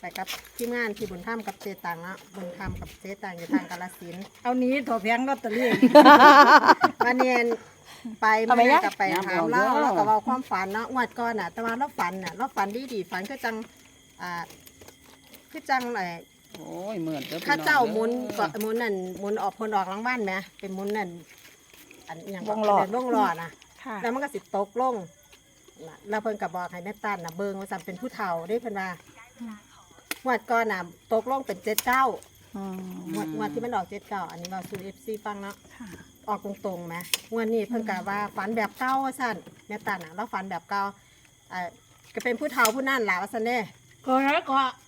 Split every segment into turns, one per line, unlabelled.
ไปกับทีมงานที่บุญธรรมกับเจตังเนาะบุญธรรมกับเจตังอยู่ทางกาฬสินธุ์
เอานี้ถอแพงลอตเตอรี่
วันนี้ไปเมื่อกับไปถามเล่าแล้วก็เว้าความฝันเนาะงวดก่อนน่ะแต่ว่าเราฝันน่ะเราฝันดีฝันคือจังคือจัง
โอ้ยเหมือน
ข้าเจ้าหมุนก็หมุนนั่นหมุนออกพลออกรางวัลไหมเป็นหมุนนั่นอันอย่างวงหลอดนะแล้วมันก็สิตกลงแล้วเพิ่นกับบอกให้แม่ตั้นน่ะเบิ่งว่าสั่นเป็นผู้เฒ่าได้เพิ่นว่างวดก่อนน่ะตกลงเป็น79งวดที่มันออก79อันนี้เราสู่ FC ฟังเนาะออกตรงๆไหมงวดนี้เพิ่นก็ว่าฝันแบบเก่าว่าสั่นแม่ตั้นน่ะเราฝันแบบเก่าก็เป็นผู้เฒ่าผู้นั่นล่ะว่าซั่นเด้
ก็แล้วก็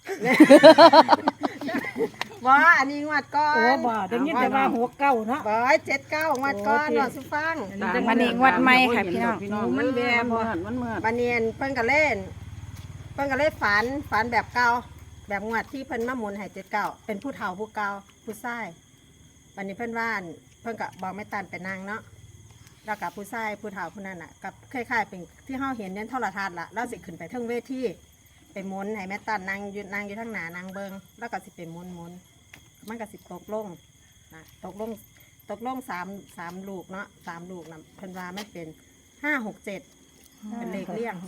ว่าอันนี้งวดก่อน
โอ้บ่เดี๋ยวนี้แต่ว่าหัวเก้าเนาะ
บ่79งวดก่อนเนาะสุฟัง
วันนี้งวดใหม่ค่ะพี่น้อง
มันแบบมันเหมือน
บันเนียนเพิ่นก็เล่นฝันแบบเก่าแบบงวดที่เพิ่นมาหมุนให้79เป็นผู้เฒ่าผู้เก่าผู้ชายบันนี้เพิ่นว่าเพิ่นก็บอกแม่ตันไปนั่งเนาะแล้วกับผู้ชายผู้เฒ่าผู้นั้นน่ะกับคล้ายๆเป็นที่เฮาเห็นในโทรทัศน์ล่ะแล้วสิขึ้นไปเทิงเวทีไปหมุนให้แม่ตันนั่งอยู่ทางหน้านางเบิงแล้วก็สิไปหมุนมันก็สิตกลงนะตกลง3ลูกเนาะ3ลูกนะเพิ่นว่าไม่เป็น567เป็นเลขเลี่ยง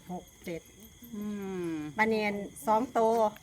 567บันเนียน2 โต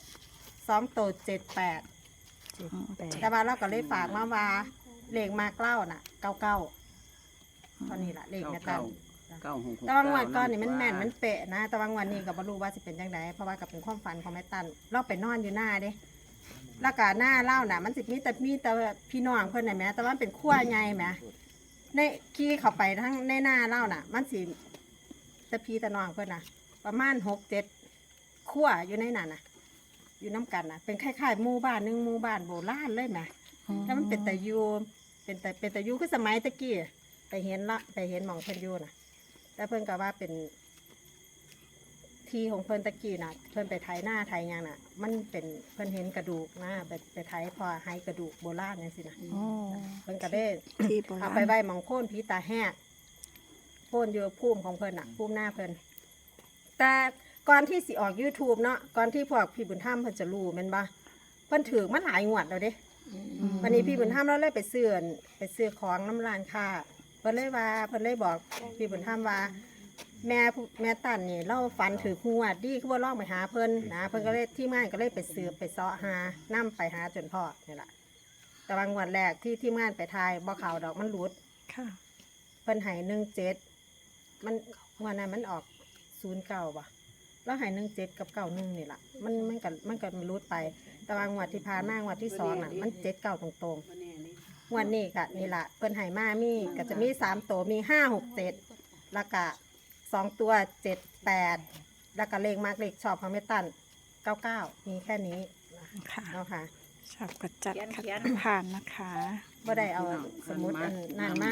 78แต่ว่าเราก็เลยฝากมาว่าเลขมากเล่าน่ะ99ตอนนี้ล่ะเลขแม่ตันแต่ว่างวดก่อนนี่มันแม่นมันเป๊ะนะแต่ว่างวดนี้ก็บ่รู้ว่าสิเป็นจังไดเพราะว่าก็เป็นความฝันของแม่ตันเราไปนอนอยู่หน้าเด้แล้วก็หน้าเล่าน่ะมันสิมีแต่พี่น้องเพิ่นน่ะแหมแต่ว่ามันเป็นขั้วใหญ่แหมในขี่เข้าไปทั้งในหน้าเล่าน่ะมันสิแต่พี่แต่น้องเพิ่นน่ะประมาณ6-7ขั้วอยู่ในนั้นน่ะอยู่น้ำกันน่ะเป็นคล้ายๆหมู่บ้านนึงหมู่บ้านโบราณเลยแหมแล้วมันเป็นตะยูเป็นตะยูคือสมัยตะกี้ไปเห็นหม่องเพิ่นอยู่น่ะแต่เพิ่นก็ว่าเป็นที่ของเพิ่นตะกี้น่ะเพิ่นไปไถหน้าไถหยังน่ะมันเป็นเพิ่นเห็นกระดูกนะไปไถพอให้กระดูกโบราณจังซี่นะเพิ่นก็ได้เอาไปไว้หม่องโค่นผีตาแหกโค่นอยู่ภูมิของเพิ่นน่ะภูมิหน้าเพิ่นแต่ก่อนที่สิออก YouTube เนาะก่อนที่พวกพี่บุญธรรมเพิ่นจะรู้แม่นบ่เพิ่นถือมาหลายงวดแล้วเด้วันนี้พี่บุญธรรมเราเลยไปซื้อของน้ำร้านค้าเพิ่นเลยบอกพี่บุญธรรมว่าแม่ตันนี่เราฝันถือหัวดีคือว่าลองไปหาเพิ่นนะเพิ่นก็เลยที่งานก็เลยไปสืบไปเสาะหานํไปหาจนพอนี่แหละแต่บางวันแรกที่งานไปทายบ่ข่าวดอกมันหลุดเพิ่นให้17มันวันนั้นมันออก09บ่แล้วให้17กับ91นี่แหละมันก็หลุดไปแต่บางวันที่ผ่านมางวันที่2น่ะมัน79ตรงๆวันนี้ก็นี่ล่ะเพิ่นให้มามีก็จะมี3ตัวมี567แล้วก็2 ตัว78แล้วก็เลขมากเลขชอบของแม่ตัน99มีแค่นี้
ค่ะ
เนาะค่ะ
ชอบกระจัดขัดผ่านนะคะ
บ่ได้เอาสมุดอันนั่นมา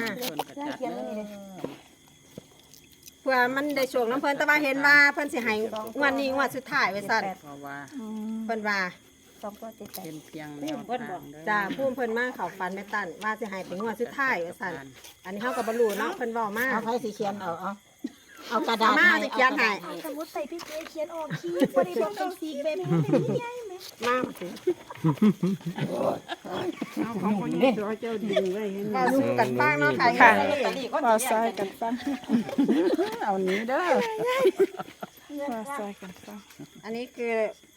เพื่อมันได้ช่วงน้ำเพิ่นแต่ว่าเห็นว่าเพิ่นสิให้งวดนี้งวดสุดท้ายไว้สั่นเพิ่นว่า
เป็นเพียง
จ้าพุ่มเพิ่นมาเข้าฝันแม่ตันว่าสิให้เป็นงวดสุดท้ายไว้สั่นอันนี้เฮาก็บ่รู้เนาะเพิ่นเว้ามา
เอาไผสิเขียนเอากระดาษ
มาสิเขียนให้
สมมุติใส่พี่เขียนออกคิ้วบ่ได้บอกเป็นสีแบบนี้เป็นใหญ่ไหม
มาสิ
เอาของคนนี้เจ้าดึงไว้
ก็สู้กันบ้างเนาะค่ะ
ว่าซอยกันฟัง
เอานี้เด้อ
ว่าซอยกันฟัง
อันนี้คือ